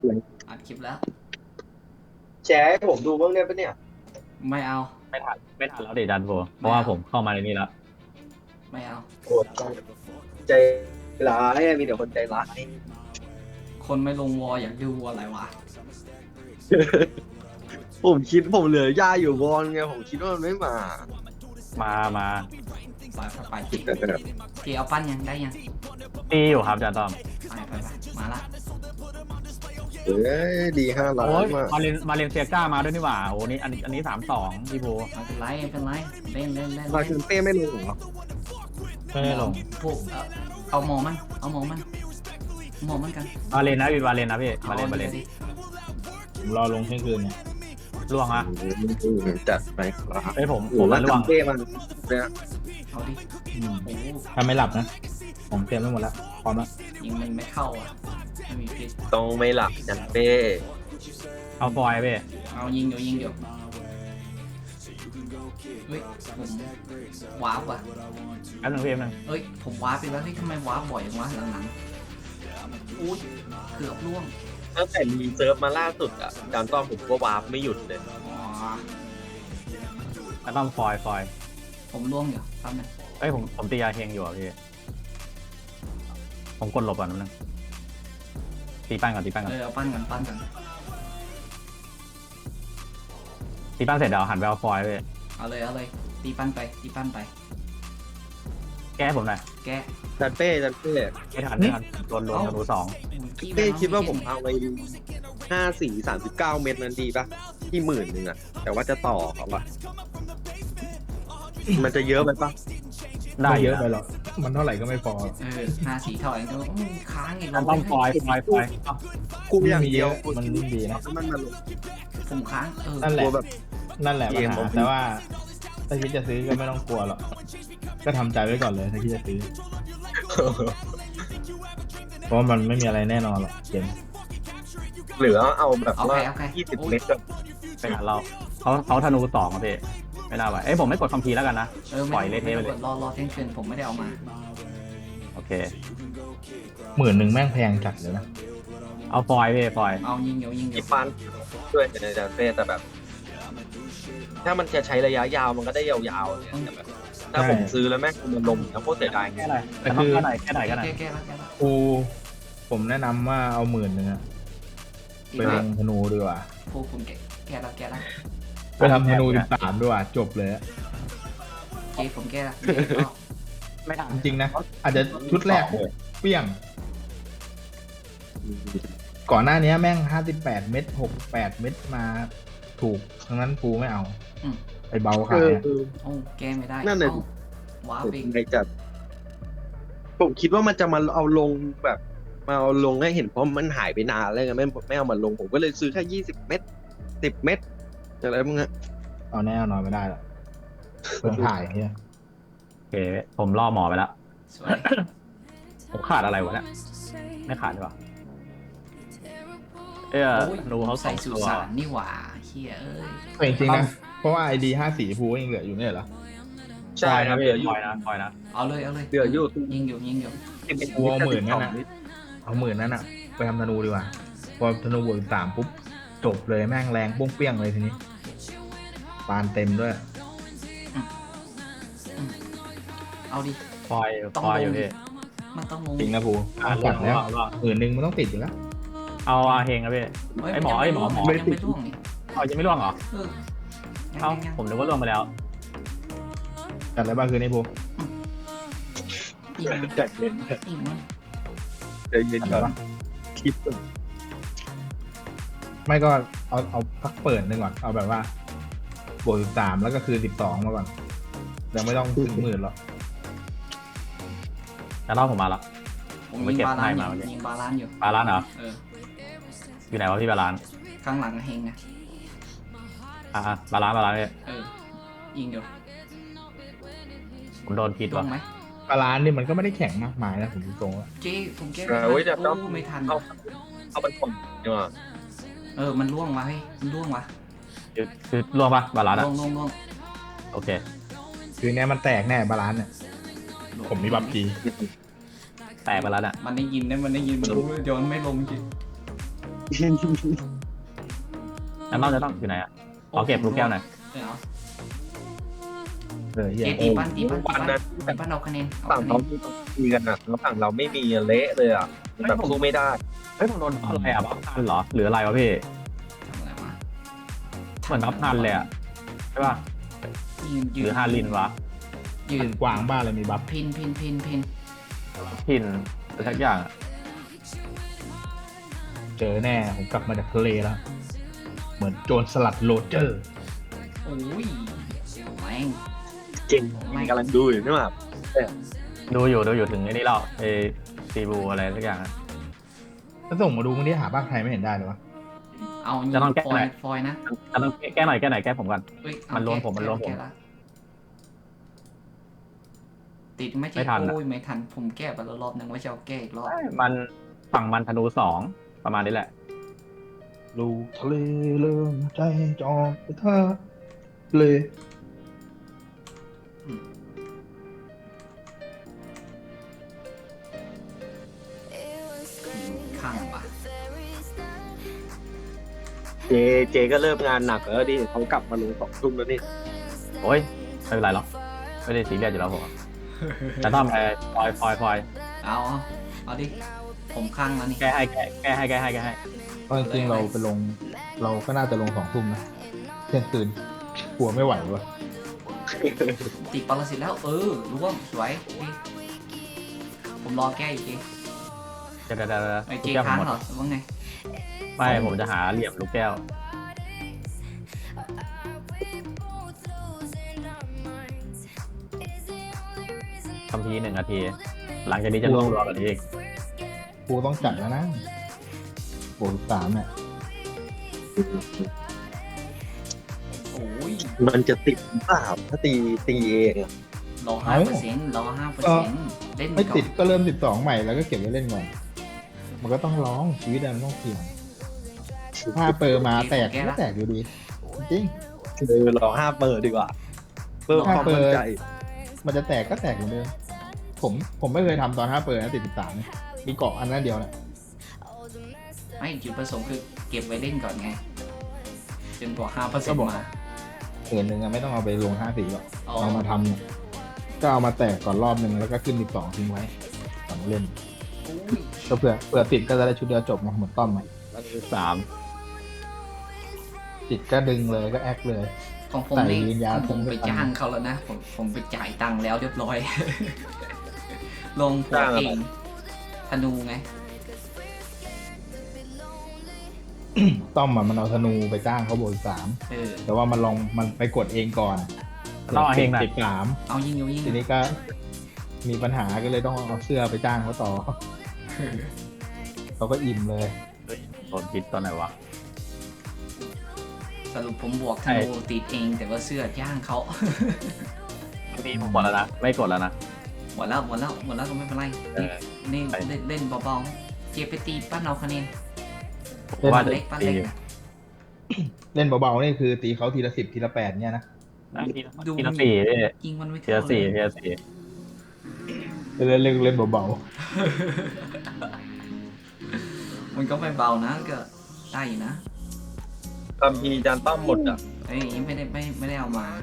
อัดคลิปแล้วแชร์ให้ผมดูบ้างได้ปะเนี่ยไม่เอาไม่ทันแล้วดิดันโบเพไม่ราะว่าเอาผมเข้ามาในนี้แล้วไม่เอาโอ้ใจร้ายอะมีแต่คนใจร้ายคนไม่ลงวออยากดูอะไรวะผมเหลือย่าอยู่บอลไงผมคิดว่ามันไม่มามาไปจีเอาปั้นยังได้ยังตีอยู่ครับอาจารย์ต้อมไปมาละเอ้ยดี5 ล้านโอ้ยมามาเลนเซียก้ามาด้วยนี่หว่าโอ้นี่อันนี้3-2พี่โบไม่เป็นไรไม่เป็นไรเล่นมาคินเต้ไม่ลงเหรอไม่ได้ลงพวกเอาหมอมันกันมาเลนนะพี่มาเลนนะพี่มาเลนดิผมรอลงเที่ยงคืนเนี่ยล่วงอะจัดไปครับไอ้ยผมโอ้มาแล้วล่วงจำเต้มันเนี่ยเอาดิอืมโอ้ถ้าไม่หลับนะผมเตรียมไว้หมดแล้วพร้อมแล้วยิงมันไม่เข้าอ่ะไม่มีพิษต้องไม่หลับจัดเต้เอาฟอยพี่เอายิงเดี๋ยวเฮ้ยผมว้าวว่ะแป๊บนึงพี่แป๊บนึงเอ้ยผมว้าไปแล้วเฮ้ยทำไมว้าบ่อยจังวะหลังๆอุ้ยเกือบล่วงตั้งแต่มีเซิร์ฟมาล่าสุดอ่ะจานต้อมผมก็วาร์ปไม่หยุดเลยอ๋อแล้วต้องฟอยผมล่วงอยู่แป๊บนึงเอ้ยผมตียาเฮงอยู่อะพี่ผมกดหลบก่อนนิดนึงตีปั้นก่อนเอาปั้นกันตีปั้นเสร็จเดี๋ยวหันไปเอาฟอยพี่เอาเลยตีปั้นไปแก้ให้ผมหน่อยแกะจัดเต้ไม่ทันโดนธนู2 เต้คิดว่าผมเอาไป54 39 เม็ดนั้นดีปะที่10,000อ่ะแต่ว่าจะต่อเขาอะมันจะเยอะไปปะได้ไม่เยเยอะอะไปหรอกมันเท่าไหร่ก็ไม่พอ 5 สีถอยก็ค้างอีกมันต้องฟอยเอ้ากูอย่างมีเดีเยยวอะมันยิ่งดีนะมันมาลงผมค้างนั่นแหละกลัวแบบนั่นแหละเกปัญมหาผมแต่ว่าถ้าคิดจะซื้อก็ไม่ต้องกลัวหรอกก็ทำใจไว้ก่อนเลยถ้าคิดจะซื้อเพราะว่ามันไม่มีอะไรแน่นอนหรอกเกมหรือเอาแบบว่าโอเค 20 เม็ดก็ไปหาเราเขาธนู2อะพี่ไม่น่าไหวเอ้ยผมไม่กดคัมภีร์แล้วกันนะปล่อยเละเทะไปเลยรอเที่ยงคืนผมไม่ได้เอามาโอเค 10,000แม่งแพงจัดเลยนะเอาฟอยพี่ฟอยเอายิงอีปันด้วยในจานเต้แต่แบบ ถ้ามันจะใช้ระยะยาวมันก็ได้ยาวๆเนี่ยแต่แบบถ้าผมซื้อแล้วแม่งมันลงแล้วโคตรเสียดายแค่ไหนแต่ต้องแค่ไหนก็ได้แก้แล้วกูผมแนะนำว่าเอา10,000อะไปลงธนูดีกว่าพวกคุณแก้แล้วไปทำธนู13ดีกว่าจบเลยอะเจผมแก้แล้วไม่ทันจริงๆนะอาจจะชุดแรกเปี้ยง ก่อนหน้านี้แม่ง58 เม็ด68 เม็ดมาถูกทั้งนั้นกูไม่เอาไปเบาขายอะโอ้แก้ไม่ได้นั่นเลยว้าวผมเองในจัดผมคิดว่ามันจะมาเอาลงแบบมาเอาลงให้เห็นเพราะมันหายไปนานแล้วไงไม่เอามาลงผมก็เลยซื้อแค่20 เม็ด10 เม็ดอะไรพวกนี้เอาแน่เอานอนไม่ได้หรอกเพิ่งถ่ายเนี่ยโอเคผมล่อหมอไปแล้วสวยผมขาดอะไรวะเนี่ยไม่ขาดหรือเปล่าดูเขาใส่ 2 สุตัวสานนี่หว่าเฮียเอ้ยแต่จริงๆนะเพราะว่า ID 5 สีภูยังเหลืออยู่เนี่ยเหรอใช่ครับเหลืออยู่คอยนะเอาเลยเหลืออยู่ยิงอยู่กูเอา10,000นั่นนะเอา10,000นั่นอะไปทำธนูดีกว่าพอธนูบวก3ปุ๊บจบเลยแม่งแรงปุ้งเปี้ยงเลยทีนี้ปานเต็มด้วยเอาดิฟอยอยู่พี่มันต้องลงจริงนะภูจัดแล้ว10,000มันต้องติดอยู่แล้วเอาอาเฮงครับพี่ไอหมอยังไม่ร่วงนี่เอายังไม่ล่วงเหรอเอาผมนึกว่าล่วงไปแล้วจัดอะไรบ้างคืนนี้ภูจัดเย็นอีกมั้งเดี๋ยวเย็นก่อนคลิปไม่ก็เอาพักเปิดหนึ่งก่อนเอาแบบว่าบวก13แล้วก็คือ12มาก่อนยังไม่ต้องถึง10,000หรอกแต่รอบผมมาแล้วผมยิงบาลานซ์อยู่บาลานซ์เหรออยู่ไหนวะพี่บาลานซ์ข้างหลังเฮงไงบาลานซ์พี่ยิงอยู่ผมโดนพิษล่วว่ะงไหมปลาร้านนี่มันก็ไม่ได้แข็งมากมายนะผมดูตรงว่าเจ๊ผมแก้ ไม่ทันเอาไปคนดีกว่ามันล่วงวะเฮ้ยมันล่วงวะคือล่วงปะบาลานซ์ล่วงโอเคคือเนี้ยมันแตกแน่บาลานเนี่ยผมมีบัฟจีแตกไปแล้วเนี่ยมันได้ยินมันรู้ย้อนไม่ลงจริงแล้วเราจะต้องอยู่ไหนอ่ะขอเก็บลูกแก้วหน่อยเฮียเกตีปั้นตีปั้นตีวันปั้นนั้นตีปั้นเอาคะแนนเอาฝั่งคะแนเขานมีกันอ่ะแล้วฝั่งเราไม่มีเละเลยอ่ะแบบสู้ไม่ได้เฮ้ยผมโดนอะไรอ่ะบัฟพันเหรอหรืออะไรวะพี่ทำอะไรวะเหมือนบัฟพันเลยอ่ะใช่ป่ะยืนหยืรือน ฮารินวะยืนกวางบ้านเลยมีบัฟพินพินพินพินพินหรือสักอย่างอะเจอแน่ผมกลับมาจากทะเลแล้ว เหมือนโจรสลัดโรเจอร์โอ้ยแม่งเก่งกำลังดูอยู่นี่หว่าดูอยู่ถึงไอ้นี่แล้วไอ้ซีบูอะไรสักอย่างอะถ้าส่งมาดูมึงที่หาภาคไทยไม่เห็นได้เลยวะเอาจะต้องแก้ฟอไหนยฟอยนะจะต้องแก้หน่อยแก้ผมก่อนเอ้ยเอามันรวมผมแก้มันรวมผมแก้ละติดไหม่ไม่ทันอะโอ้ยไม่ทันผมแก้ไปแล้วรอบนึงว่าจะเอาแก้อีกรอบมันฝั่งมันธนู2ประมาณนี้แหละลูกทะเลเริ่มใจจองไปท่าเลยข้างปะเจก็เริ่มงานหนักแล้วดิเขากลับมาลง2 ทุ่มแล้วนี่โอ้ยไม่เป็นไรหรอกไม่ได้ซีเรียสอยู่แล้วผมแต่ต้องไปฟอยเอาดิผมข้างแล้วนี่แก้ให้เพราะจริงๆเราไปลง เราก็น่าจะลง2 ทุ่มนะเที่ยงคืนกลัวไม่ไหววะติดปรสิตแล้วร่วมสวยพี่ผมรอแก้อีกทีเดี๋ยวไอ้ลูเจกแก้วผค้าม งหมดเหรอว่าไงไม่ผมจะหาเหลี่ยมลูกแก้วคำพี1 นาที หลังจากนี้จะต้องรอกันอีกกูต้องจัดแล้วนะโบ3เนี่ยโอ้ยมันจะติดหรือเปล่าถ้าตีเองอะรอ5%รอ5%เล่นไม่ก่อติดนก็เริ่ม12ใหม่แล้วก็เก็บไว้เล่นก่อนมันก็ต้องร้องชีวิตมันต้องเสี่ยงถ้าเปิดมาแตกก็แตกอยู่ดีจริงรอ5 เปิดดีกว่าเพิ่มความมั่นใจมันจะแตกก็แตกเหมือนเดิมผมไม่เคยทำตอน5เปิดนะติด13มีเกาะอันนั้นเดียวแหละไม่จุดประสงค์คือเก็บไว้เล่นก่อนไงจนกว่า5%มาเหินหนึ่งอะไม่ต้องเอาไปลง50หรอกอ๋อเอามาทำเนี่ยก็เอามาแตกก่อนรอบหนึ่งแล้วก็ขึ้น12ทิ้งไว้ก่อนเล่นอุ้ยก็เผื่อติดก็จะได้ชุดเดียวจบไงเหมือนต้อมอะ 3 ติดก็ดึงเลยก็แอคเลยของผมใส่นี่วิญญาณของผมผมไปไม่ทันจ้างเขาแล้วนะผมไปจ่ายตังค์แล้วเรียบร้อย ลงผัวจ้างอะไรเองธนูไงต้อมอะมันเอาธนูไปจ้างเขาโบย3แต่ว่ามันไปกดเองก่อนต้องเอาเองหน่อยติด3 เอายิงเอายิงทีนี้ก็มีปัญหาก็เลยต้องเอาเสื้อไปจ้างเขาต่อ เขาก็อิ่มเลยโดนพิษตอนไหนวะสรุปผมบวกธนูติดเองแต่ว่าเสื้อย่างเขามีผมหมดแล้วนะไม่กดแล้วนะหมดแล้วก็ไม่เป็นไรเออนี่ไปเล่นเบาๆเจ็บไปตีปั้นเอาคะแนนว่าจะเล็กปั้นตีเล็กเล่นเบาๆนี่คือตีเขาทีละ10ทีละ8เนี่ยนะทีละสี่พี่ยิงมันไม่ทีเท่าละสี่เลยทีละสี่เล่นเบามันก็ไม่เบานะก็ได้อยู่นะตามทีจานต้อมหมดอ่ะเอ้ยยังไม่ได้เอามา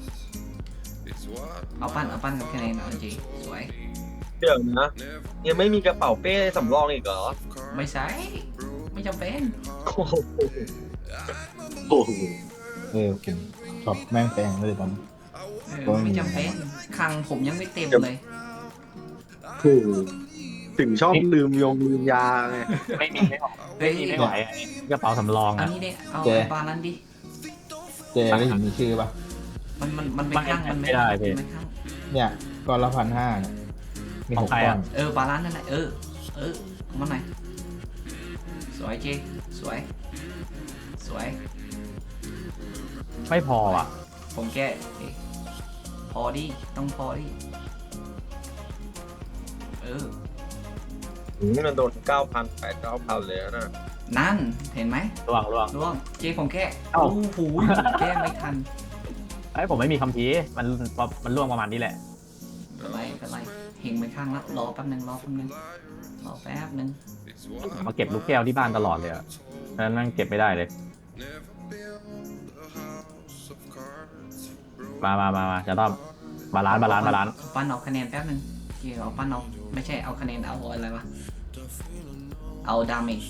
เอาปั้นกับคะแนนเอาจริงสวยเดี๋ยวนะยังไม่มีกระเป๋าเป้สำรองอีกเหรอไม่ใช่ไม่จำเป็นโอ้โหโอ้โหๆผมชอบแม่งแปลงเลยตอนนี้ไม่จำเป็นคลังผมยังไม่เต็มเลยถูกถึงชอบลืมยาไงไม่มีไม่ออกเฮ้ยไม่ไหวอันนี้กระเป๋าสำรองอันอ่ะนี้เนี่ยเอาปลานั้นดิเจได้เห็นมีชื่อปะมันเป็นข้างมันเป็นข้างเนี่ยก้อนละ1,500เนี่ยมีของ 6 ใครก้ออ่ะนปลาร้านนั่นแหละเอามันหน่อยสวยเจสวยไม่พออ่ะผมแก้พอดิต้องพอดิมันโดน 9,000 8,000 เลยนะนั่นเห็นไหมระวังร่วงเจผมแก้เอ้าโอ้โหแก้ไม่ทันไอ้ยผมไม่มีคำพีร์มันล่วงประมาณนี้แหละเป็นไรเฮงไปข้างละรอแป๊บนึงรอแป๊บนึงมาเก็บลูกแก้วที่บ้านตลอดเลยอ่ะเฉะนั้นนั่งเก็บไม่ได้เลย มาจะต้องบาลานซ์ปั้นเอาคะแนนแป๊บนึงเอาปั้นเอาไม่ใช่เอาคะแนนเอาอะไรวะเอาดาเมจ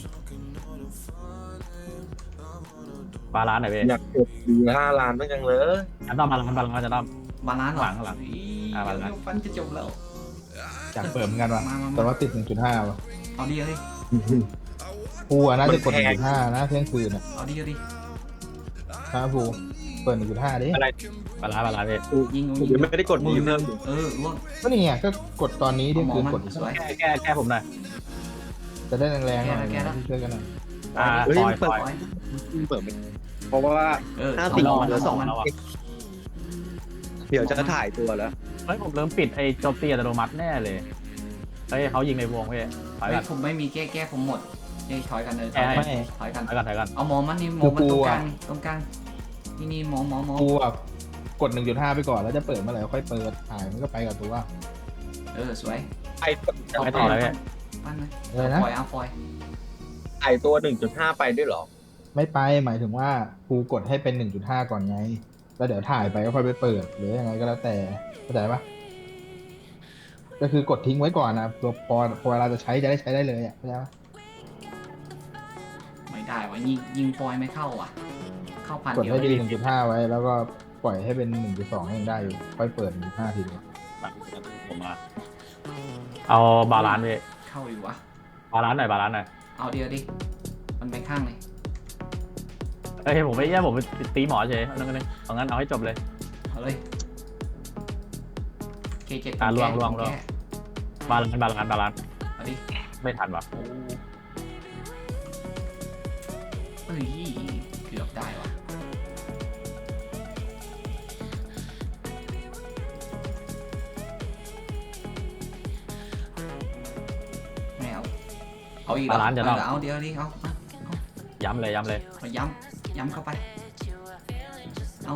บาลานซ์หน่อยพี่อยากกดดี5 ล้านเหมือนกันเลยจะต้องบาลานซ์จะต้องบาลานซ์เหรอหลังบาลานซ์ปั้นจะจบแล้วอยากเปิดเหมือนกันว่ะมาแต่ว่าติด 1.5 ว่ะเอาดีเลยกูน่าจะกด 1.5 นะเที่ยงคืนอ่ะเอาดีเลยนะกูเปิด 1.5 ดิอะไรบาลานซ์พี่ยิงผมยังไม่ได้กดมือเพิ่มล่วงก็นี่ไงก็กดตอนนี้เที่ยงคืนกดสวยแก้ผมหน่อยจะได้แรงๆหน่อยแก้แล้วช่วยกันหน่อยเฮ้ยปล่อยเปิดไม่เพราะว่า 50 รอเหลือ 2 2 แล้วอ่ะเดี๋ยวจะถ่ายตัวแล้วเฮ้ยผมเริ่มปิดไอ้โจมตีอัตโนมัติแน่เลยเฮ้ยเขายิงในวงพี่ถอยไม่กันผมไม่มีแก้ผมหมดถอยกันเลยไม่ถอยกันถอยกันเอาหมอมันนี่หมอมันตรงกลางนี่หมอกูอ่ะกด 1.5 ไปก่อนแล้วจะเปิดเมื่อไหร่ค่อยเปิดถ่ายมันก็ไปกับตัวสวยไอ้ไม่ต่อเลยพี่ปั้นเลยเลยนะปล่อยเอาปล่อยไอ้ตัว 1.5 ไปด้วยเหรอไม่ไปหมายถึงว่ากูกดให้เป็น 1.5 ก่อนไง แล้วเดี๋ยวถ่ายไปก็ค่อยไปเปิดหรือยังไงก็แล้วแต่เข้าใจปะก็คือกดทิ้งไว้ก่อนนะตัวพอเวลาจะใช้จะได้ใช้ได้เลยอ่ะเข้าใจปะไม่ได้วะยิงปล่อยไม่เข้าอ่ะเข้าพันกดเดียวให้เป็น 1.5 ไว้แล้วก็ปล่อยให้เป็น 1.2 ยังได้อยู่ค่อยเปิด 1.5 ทีเดียวผมมาเอาบาลานซ์พี่เข้าอยู่วะบาลานซ์หน่อยเอาเดียวดิมันไปข้างเลยเฮ้ยผมไม่แย่ผมตีหมอเฉยเอางั้นเอาให้จบเลยเอาเลยเคเจ็ดล่วง บาลานซ์เอาดิไม่ทันว่ะโอ้เฮ้ยเกือบได้วะไม่เอาอีกเอาเดี๋ยวดิเอาย้ำเลยเอาย้ำเข้าไปเอา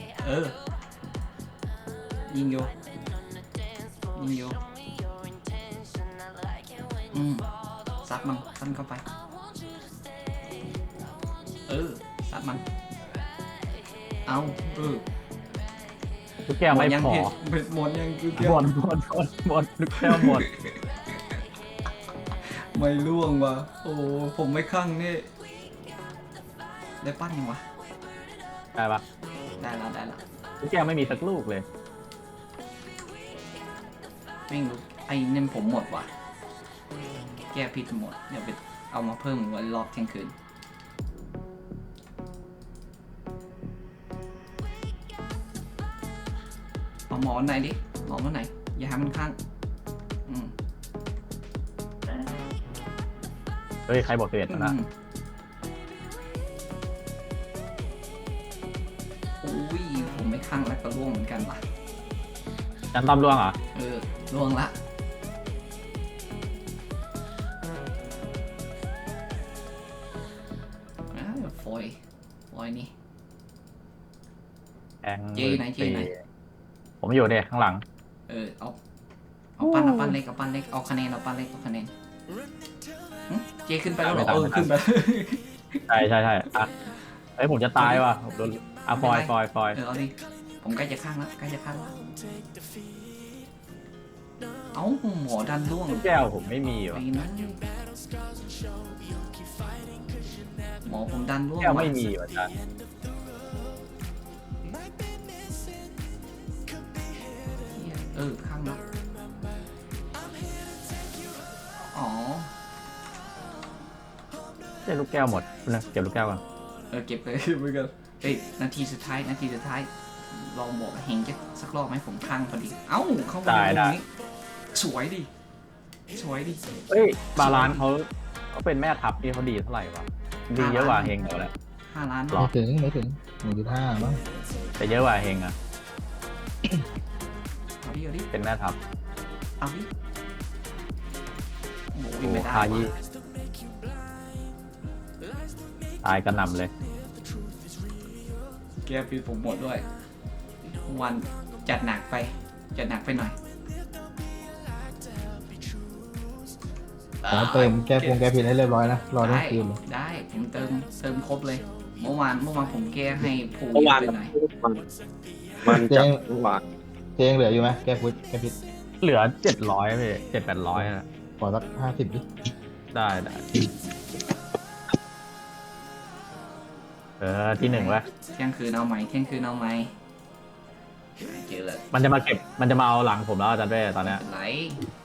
ยิงอยู่ซัดมันซัดเข้าไปซัดมันเอาลูกแก้วไม่พอหมดยังคือหมดลูกแก้วหมดไม่ล่วงว่ะโอ้ผมไม่คลั่งนี่ได้ปั้นยังวะได้ปะได้แล้วลูกแก้วไม่มีสักลูกเลยไม่รู้ไอ้เนี่ยผมหมดว่ะแก้ผิดหมดเดี๋ยวไปเอามาเพิ่มไว้รอบเที่ยงคืนเอาหมอไหนดิหมอไหนอย่าให้มันข้างเฮ้ยใครบอกเสร็จนะอุ้ยผมไม่ข้างแล้วก็ร่วงเหมือนกันว่ะจันต้อมร่วงเหรอร่วงละฟอยนี่แองเจไหนผมอยู่เนี่ยข้างหลังเอาปั้นเล็กเอาปั้นเล็กเอาคะแนนเอาปั้นเล็กเอาคะแนนเจขึ้นไปแล้วเหรอขึ้นไปใช่อ่ะเฮ้ยผมจะตายว่ะโดนฟอยเอาดิผมใกล้จะข้างแล้วเอาหมอดันร่วงลูกแก้วผมไม่มีว่ะไอ้นั่นหมอผมดันร่วงแก้วไม่มีว่ะจันข้างแล้วอ๋อเจ้ลูกแก้วหมดนะเก็บลูกแก้วก่อนเก็บเลยเหมือนกันเฮ้ยนาทีสุดท้ายลองบอกเฮงจะสักรอบไหมผมข้างพอดีเอ้าเข้าไปตรงนี้สวยดิเฮ้ยบาลานซ์เขาเป็นแม่ทัพนี่เขาดีเท่าไหร่วะดีเยอะกว่าเฮงเหรอแหละ 5 ล้านไม่ถึง 1.5 มั้งแต่เยอะกว่าเฮงอ่ะเอาดิเป็นแม่ทัพเอาดิโอ้โอ้ยไม่ได้คายี่ตายกระหน่ำเลยแกปีผมหมดด้วยวันจัดหนักไปหน่อยขอเติมแก้ผิดให้เรียบร้อยนะรอทั้ได้งคืนเลยได้ผมเติมครบเลย เมื่อวานผมแก้ให้ภูเมื่อวานไปหน่อยมันจะเมื่อวานเจงเหลืออยู่ไหมแก้ผิดเหลือ700พี่700-800นะขอสัก50ดิได้ที่หนึ่งวะเที่ยงคืนเอาไหมเจอเลยมันจะมาเอาหลังผมแล้วอาจารย์เป้ตอนเนี้ยเป็นไร